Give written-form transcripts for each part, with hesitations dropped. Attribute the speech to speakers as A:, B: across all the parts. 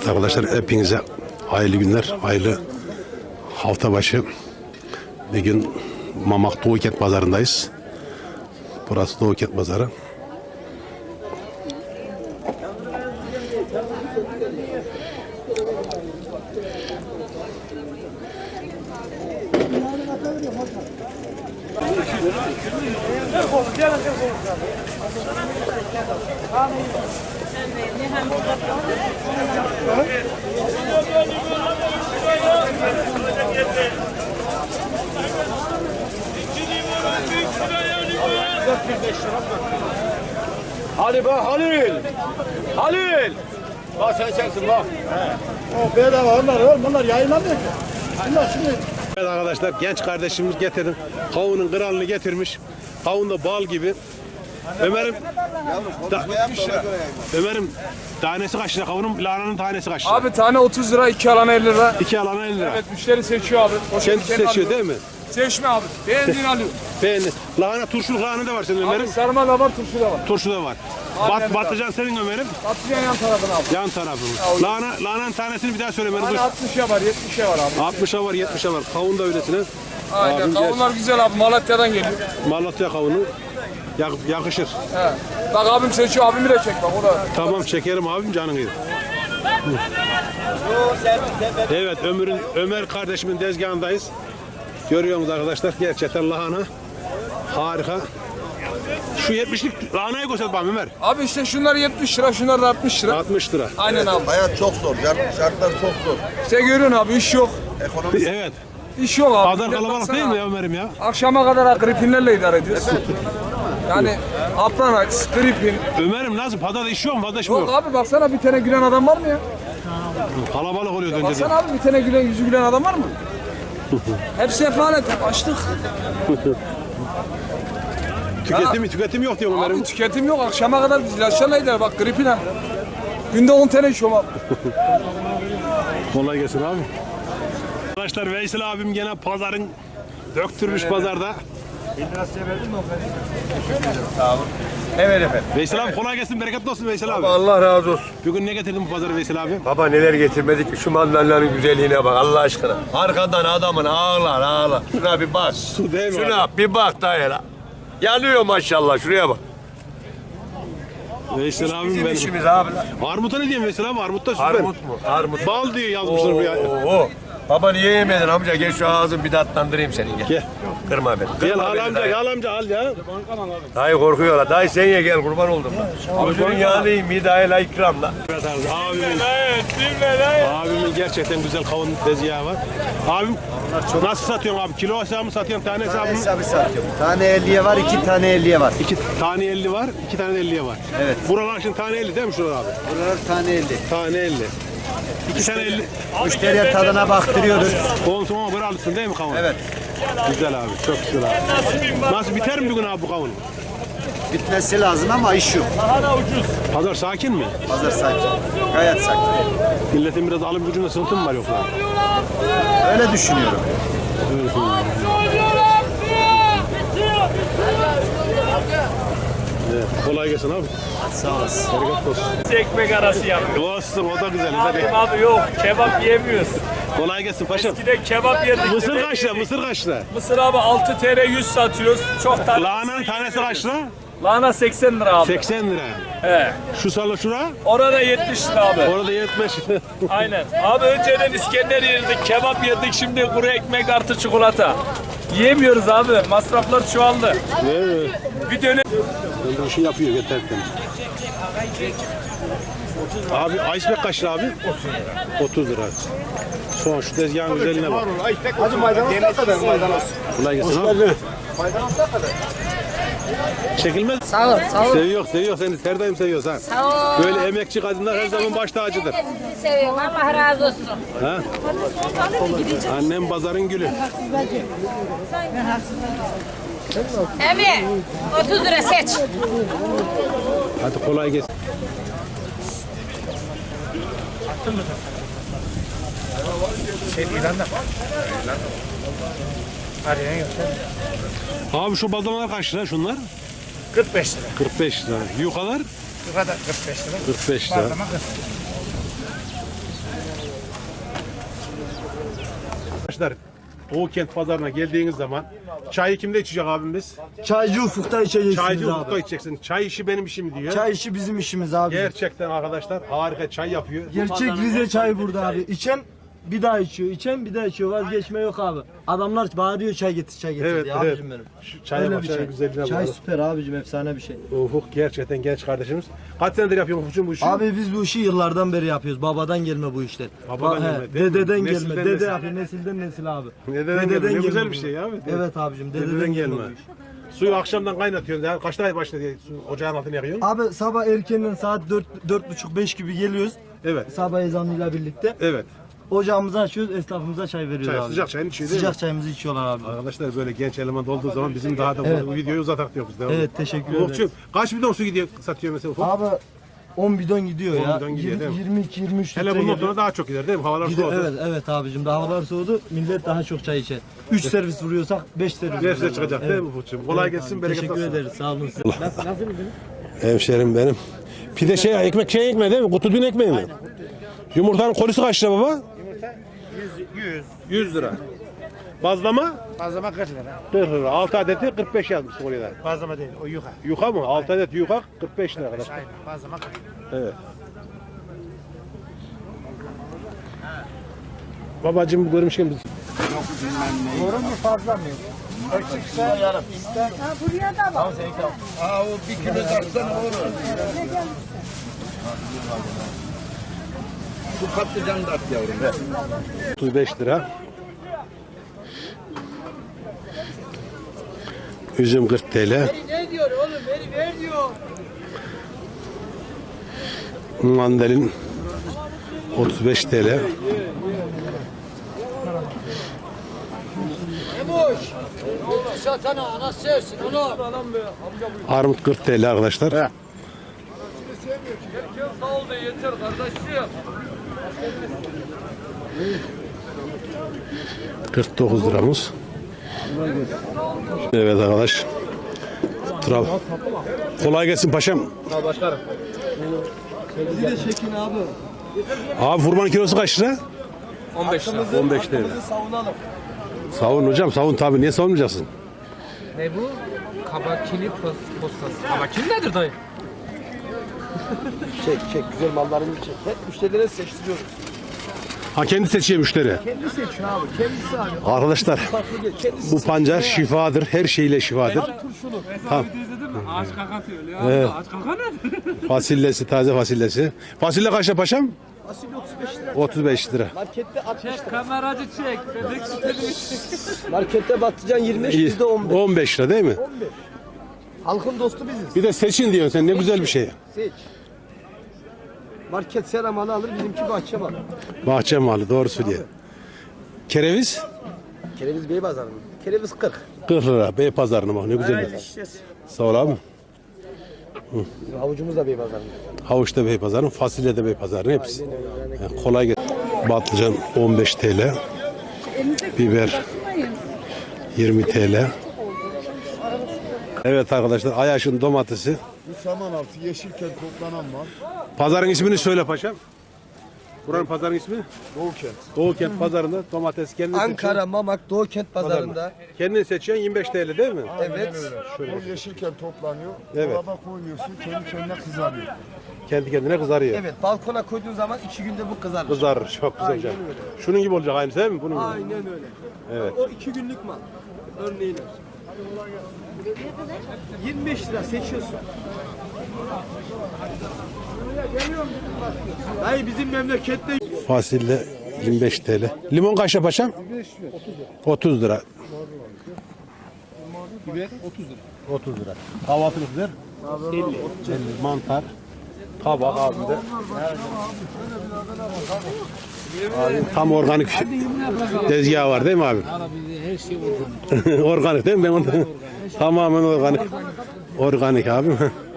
A: Evet arkadaşlar, hepinize hayırlı günler, hayırlı hafta başı. Bir gün Mamak Doğu Kent Pazarı'ndayız. Burası Doğu Kent Pazarı.
B: Hadi bak Halil. Halil. Bak sen sensin bak.
C: O bedava onlar yayınlanmıyor ki. Bunlar şimdi.
A: Evet arkadaşlar, genç kardeşimiz getirdi. Kavunun kralını getirmiş. Kavun da bal gibi. Ömer'im tanesi kaç lira kavunun? Lahananın tanesi kaç lira?
B: Abi tane 30 lira, 2 alana 50 lira.
A: 2 alana 50 lira.
B: Evet, müşteri seçiyor abi.
A: Kendisi seçiyor
B: alıyor.
A: değil mi?
B: Seçme abi. Beğendiğini alıyor.
A: Beğendi. Lahana, turşuluk lahana da var senin
B: Abi
A: Ömer'im.
B: sarma da var, turşu da var.
A: Turşu da var.
B: Aynen
A: Patlıcan senin Ömer'im.
B: Patlıcan yan tarafına abi.
A: Yan tarafın. Lahananın tanesini bir daha söyle Ömer'im.
B: Hani 60'a var, 70'e var abi.
A: 60'a var, 70'a var. Kavun da öylesine.
B: Aynen.
A: Abim
B: Kavunlar güzel abi. Malatya'dan geliyor.
A: Malatya kavunu yakışır.
B: He. Bak abim seçiyor. Abimi de çek bak o da.
A: Tamam, çekerim abim, canın iyi. Evet, Ömer kardeşimin tezgahındayız. Görüyorsunuz arkadaşlar, gerçekten lahana harika. Şu 70'lik lahanayı göster bana Ömer.
B: Abi işte şunlar 70 lira, şunlar da 60 lira.
A: 60 lira.
B: Aynen abi.
C: Hayat çok zor. Şartlar çok zor.
B: İşte görüyorsun abi iş yok.
A: Evet.
B: İş yok abi.
A: Pazar kalabalık değil mi ya Ömer'im ya?
B: Akşama kadar gripinlerle idare ediyoruz. Yani Aplanax, gripin.
A: Ömer'im nasıl? Pazarda iş yok mu? Fazla iş mi
B: Yok
A: yok?
B: abi baksana bir tane gülen adam var mı ya?
A: Kalabalık oluyor önce de.
B: Baksana abi bir tane gülen yüzü gülen adam var mı? Hep sefalet, hep açlık.
A: Tüketim yok diyor Ömer'im.
B: Abi tüketim yok. Akşama kadar biz ilaçlarla idare. Bak gripine. Günde 10 tane içiyorum abi.
A: Kolay gelsin abi. Arkadaşlar, Veysel abim gene pazarın döktürmüş pazarda.
D: Evet efendim.
A: Veysel abi kolay gelsin, bereketli olsun Veysel abi.
D: Allah razı olsun.
A: Bugün ne getirdin bu pazara Veysel abi?
D: Baba neler getirmedik ki şu mandalina'nın güzelliğine bak Allah aşkına. Arkadan adamın ağlar. Şuna bir bak.
A: Su değil mi
D: Şuna bir bak dayı la. Yanıyor maşallah şuraya bak.
A: Veysel abim
D: Bizim
A: benim.
D: işimiz abi la.
A: Armut'a ne diyeyim Veysel abi? Armut da süper.
D: Armut mu? Armut.
A: Bal diye yazmışlar
D: Oo,
A: buraya.
D: oo. Baba niye yemedin amca? Gel şu ağzını bir tatlandırayım senin gel.
A: Gel.
D: Kırma beni.
A: Gel
D: Kırma
A: al
D: beni
A: amca,
D: dayı.
A: al amca, al ya.
D: Dayı korkuyor la. Dayı sen ye gel kurban oldum la. Abicinin yanıyım bir dayı la ikram la.
A: Evet abi, abimin gerçekten güzel kavun tezgahı var. Abim nasıl satıyorsun abi? Kilo hesabı mı satıyorsun, tane hesabı mı?
C: Hesabı satıyorum. Tane 50'ye var, 2 tane 50'ye var.
A: 2 tane 50 var, 2 tane de 50'ye var.
C: Evet.
A: Buralar şimdi tane 50 değil mi şuralar abi?
C: Buralar tane 50.
A: Tane 50. 2 tane 50.
C: Müşteriye tadına baktırıyoruz.
A: Konsuma göre alırsın değil mi kavun?
C: Evet.
A: Güzel abi, çok güzel abi. Nasıl biter mi bugün abi bu kavun?
C: Bitmesi lazım ama iş yok.
A: Pazar sakin mi?
C: Pazar sakin. Gayet sakin.
A: Milletin biraz alım gücünde sıkıntı mı var yoksa?
C: Öyle düşünüyorum.
A: Evet, kolay gelsin abi.
C: Sağ olasın.
A: Bereket olsun.
E: Ekmek arası yapıyor.
A: Olsun, o da güzel. Hadi.
E: Abi yok, kebap yemiyoruz.
A: Kolay gelsin paşam.
E: Eskiden kebap yerdik.
A: Mısır
E: yemek
A: kaç lira?
E: yedik.
A: Mısır kaç lira?
E: Mısır abi 6 TL 100 satıyoruz. Çok tatlı.
A: Lahananın tanesi kaç lira?
E: Lahana 80 lira abi.
A: 80 lira.
E: He.
A: Şu salı şura?
E: Orada 70 lira abi.
A: Orada 70.
E: Aynen. Abi önceden İskender yerdik, kebap yedik. Şimdi kuru ekmek artı çikolata. Yiyemiyoruz abi. Masraflar çoğaldı.
A: Evet.
E: Bir dönem.
A: Ben bu işi yapıyor yeterken. Abi iceberg kaç lira abi? 30 lira. Son şu tezgahın güzelliğine bak.
C: Hacı maydanoz ne kadar maydanoz?
A: Kolay gelsin abi. Çekilmez.
F: Sağ ol, sağ ol.
A: Seviyor seni. Her daim seviyor sen.
F: Sağ ol.
A: Böyle emekçi kadınlar her zaman baş tacıdır.
F: Sizi seviyorum. Allah razı olsun.
A: Ha? Annem pazarın gülü.
F: Emi, 30 lira seç.
A: Hadi kolay gelsin. Abi şu badanalar kaç lira şunlar?
E: 45 lira.
A: 45 lira. Yukalar?
E: Bu kadar 45 lira.
A: 45 lira. Arkadaşlar Doğu Kent Pazarı'na geldiğiniz zaman çayı kimde içecek abimiz?
C: Çaycı Ufuk'ta içeceksiniz
A: Çaycı
C: abi.
A: Ufuk'ta içeceksin. Çay işi benim işim diyor.
C: Çay işi bizim işimiz abi.
A: Gerçekten arkadaşlar harika çay yapıyor.
C: Gerçek Rize çayı burada abi. İçen bir daha içiyor, içen bir daha içiyor. Vazgeçme yok abi. Adamlar bağırıyor çay getir, çay getir
A: Evet,
C: diye
A: evet.
C: abicim benim.
A: Şu çaya
C: Öyle
A: bak,
C: bir
A: çayın
C: şey.
A: güzelliğine
C: Çay
A: bak.
C: süper abicim, efsane bir şey.
A: Ufuk gerçekten genç kardeşimiz. Kaç senedir yapıyorsun Ufuk'cum bu işi?
C: Abi biz bu işi yıllardan beri yapıyoruz. Babadan gelme bu işler.
A: Babadan gelme, değil mi?
C: Dededen
A: Nesilden
C: gelme. Dede
A: nesil.
C: yapıyor, nesilden nesil abi.
A: Dededen gelme. Ne güzel bir şey ya.
C: Evet abicim,
A: Dededen gelme.
C: bu iş.
A: Suyu akşamdan kaynatıyorsun. Ya. Kaçta başladı su ocağın altına yakıyorsun?
C: Abi sabah erkenden saat 4.30-5 gibi geliyoruz.
A: Evet.
C: Sabah ezanıyla birlikte.
A: Evet.
C: Ocağımızı açıyoruz, esnafımıza çay veriyoruz
A: Çay,
C: abi.
A: sıcak çayını içiyor değil mi?
C: Sıcak çayımızı içiyorlar abi.
A: Arkadaşlar böyle genç eleman olduğu zaman bizim daha da bu videoyu uzatak diyoruz.
C: Evet, teşekkür ederim.
A: Ufuk'cum kaç bidon su gidiyor satıyor mesela Ufuk?
C: Abi 10 bidon gidiyor
A: 10
C: ya.
A: bidon gidiyor, değil mi?
C: 22-23
A: Hele
C: litre
A: bundan
C: geliyor.
A: sonra daha çok gider değil mi? Havalar
C: Gidiyor,
A: soğudu.
C: evet evet abicim, daha havalar soğudu. Millet daha çok çay içer. 3 servis vuruyorsak 5 servis.
A: Nefse
C: vuruyoruz.
A: çıkacak değil mi Ufuk'cum? Kolay gelsin, bereket
C: Teşekkür
A: olsun.
C: ederiz, sağ olun.
A: Hemşerim benim. Pide ekmek ekmeği değil mi? Kutu dün ekmeği mi? Yumurtanın kolisi kaç lira baba? 100 lira. Bazlama?
G: Bazlama 40 lira.
A: 40 lira. 6 adeti 45 yazmışsın oraya da.
G: Bazlama değil, o yuka.
A: Yuka mı? 6 adet yuka 45 lira kadar.
G: Aynen, bazlama 40
A: Evet. Babacım görmüşken biz.
G: Doğru mu fazla mı? Eksikse yarım.
D: Aa o 1 kilo taksana olur. Bu patlıcan da at yavrum.
A: 35 lira. Üzüm 40 TL.
G: Ne diyor oğlum? Ver diyor.
A: Mandalin 35 TL.
G: Ne boş? Oldu satana, anası sevsin onu.
A: Armut 40 TL arkadaşlar.
E: Sağ ol da yeter kardeşim.
A: 49 liramız. Evet arkadaş. Kolay gelsin paşam.
C: Bizi de çekin abi.
A: Abi furmanın kilosu kaç lira?
E: 15 lira.
A: 15 TL.
C: Savunalım.
A: Savun hocam savun tabii. Niye savunmayacaksın?
E: Ne bu? Kabakili postası. Kabakili nedir dayı?
C: Çek güzel mallarını çek. Hep müşterilere seçtiriyoruz.
A: Ha kendi seçiyor müşteri.
C: Kendi seçiyor abi. Kendisi abi.
A: Arkadaşlar
C: Kendisi
A: bu pancar şifadır. Her şeyle şifadır.
C: turşulu.
A: Tamam.
E: İzledin mi? Ağaç kaka diyor ya.
A: Evet.
E: Ağaç kaka nedir?
A: Fasulyesi, taze fasulyesi. Fasulye kaç lira paşam?
C: Fasulye 35 lira.
A: 35 lira.
C: Markette 60 lira.
E: Kameracı çek. Bebek sütünü çek.
C: Markette patlıcan 25,
A: İyi.
C: bizde 15.
A: 15 lira değil mi?
C: 15. Halkın dostu biziz.
A: Bir de seçin diyorsun sen ne güzel bir şey.
C: Seç. Market seramalı alır, bizimki bahçe malı.
A: Bahçe malı doğru söylüyor. Kereviz
C: Kereviz Bey Pazarı mı? Kereviz 40.
A: 40 lira. Bey pazarına bak ne güzel. Sağ ol abi.
C: Bizim havucumuz da Bey Pazarı.
A: Havuç da bey pazarı, fasulye de bey pazarı hepsi. Yani kolay gelsin. Patlıcan 15 TL. Biber 20 TL. Evet arkadaşlar Ayaş'ın domatesi.
H: Bu Samanaltı Yeşilkent toplanan mal.
A: Pazarın ismini söyle paşam. Buranın pazarın ismi?
H: Doğu Kent.
A: Doğu Kent pazarında domates kendin
C: Ankara, Mamak, Doğu Kent Pazarı'nda.
A: Kendin seçiyorsun 25 TL değil mi?
C: Evet.
H: O Yeşilkent toplanıyor.
A: Evet.
H: Dolaba koymuyorsun, kendi kendine kızarıyor.
A: Kendi kendine kızarıyor.
C: Evet, balkona koyduğun zaman 2 günde bu kızarır.
A: Kızarır çok güzel.
C: Aynen öyle.
A: Şunun gibi olacak aynı değil mi? Bunun gibi.
C: Aynen öyle.
A: Evet.
C: O 2 günlük mal. Örneğin. 25 lira seçiyorsun. Dayı bizim memlekette
A: Fasulye 25 TL. Limon kaç lira paşam? 30 lira. Biber 30 lira. Kahvaltılık biber 50. Mantar. Kabak abimde. Abi, tam organik tezgahı var değil mi abi?
G: Her şey organik.
A: Organik değil mi? Ben onu tamamen organik. Organik abi.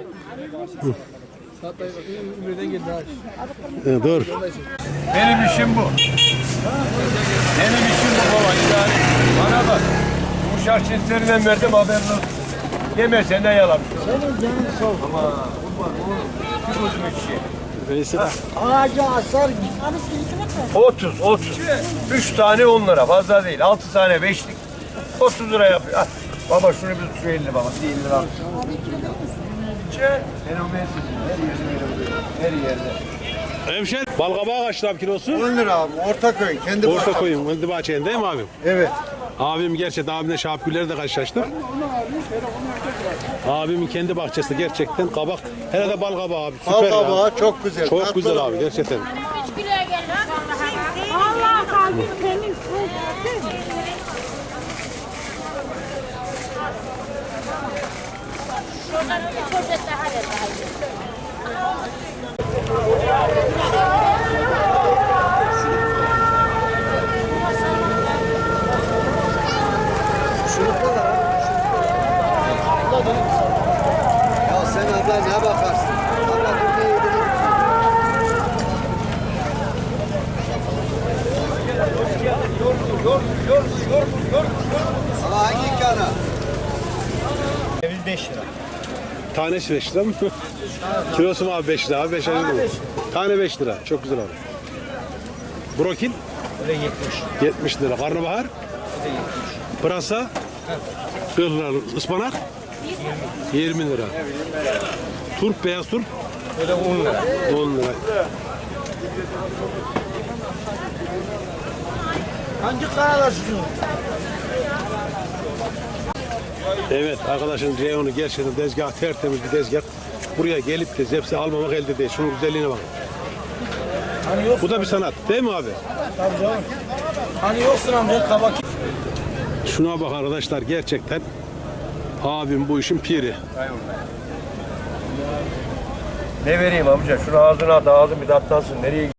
A: Dur.
D: Benim işim bu. Benim işim bu baba. Yani bana bak. Bu şarkıslarından verdim haberin olsun. Yemesen de yalan. Senin canın sağ ol. Ama kurban oğlum. Kim bozmuş şey?
A: Veysel.
G: Ağaca asar.
D: 30. 3 tane 10 lira. Fazla değil. 6 tane 5'lik. 30 lira yapıyor. Al. Baba şunu bir şu 50 baba. 50 lira. Fenomensin. Her yerde.
A: Hemşer. Balkabağı kaç lira kilosu?
H: 10 lira abi. Ortaköy. Kendi
A: Orta koyun. Kendi bahçeyen değil mi abim?
H: Evet.
A: Abim gerçekten abimle Şahap Güller'le de karşılaştık. Abimin kendi bahçesi gerçekten kabak. Hele de balkabağı abi. Süper ya.
H: Balkabağı çok güzel.
A: Çok güzel abi gerçekten.
F: Allah kalbim temiz. Şuradan bir poşet daha ver.
H: Ya sen abla ne bakarsın? Abla dur ne yediğini Ama hangi kana?
G: Ceviz 5 lira.
A: Tanesi 5 lira mı? Kilosu mu abi 5 lira abi? 5 lira mı? Tane 5 lira. Çok güzel abi. Brokin?
G: Öyle 70.
A: 70 lira. Karnabahar? Pırasa? 40 lira. Ispanak? 20 lira. Turp, beyaz turp?
G: Öyle 10 lira.
A: 10 lira.
G: Hangi kanalar sizin?
A: Evet arkadaşın reyonu gerçekten tezgah tertemiz bir tezgah. Buraya gelip de zepsi almamak elde değil. Şunun güzelliğine bak.
G: Hani yok.
A: Bu da bir sanat değil mi abi?
G: Tabii canım. Hani yoksun amca kabak.
A: Şuna bak arkadaşlar gerçekten abim bu işin piri.
D: Ne vereyim amca? Şunu ağzına at, ağzın bir tatlansın. Nereye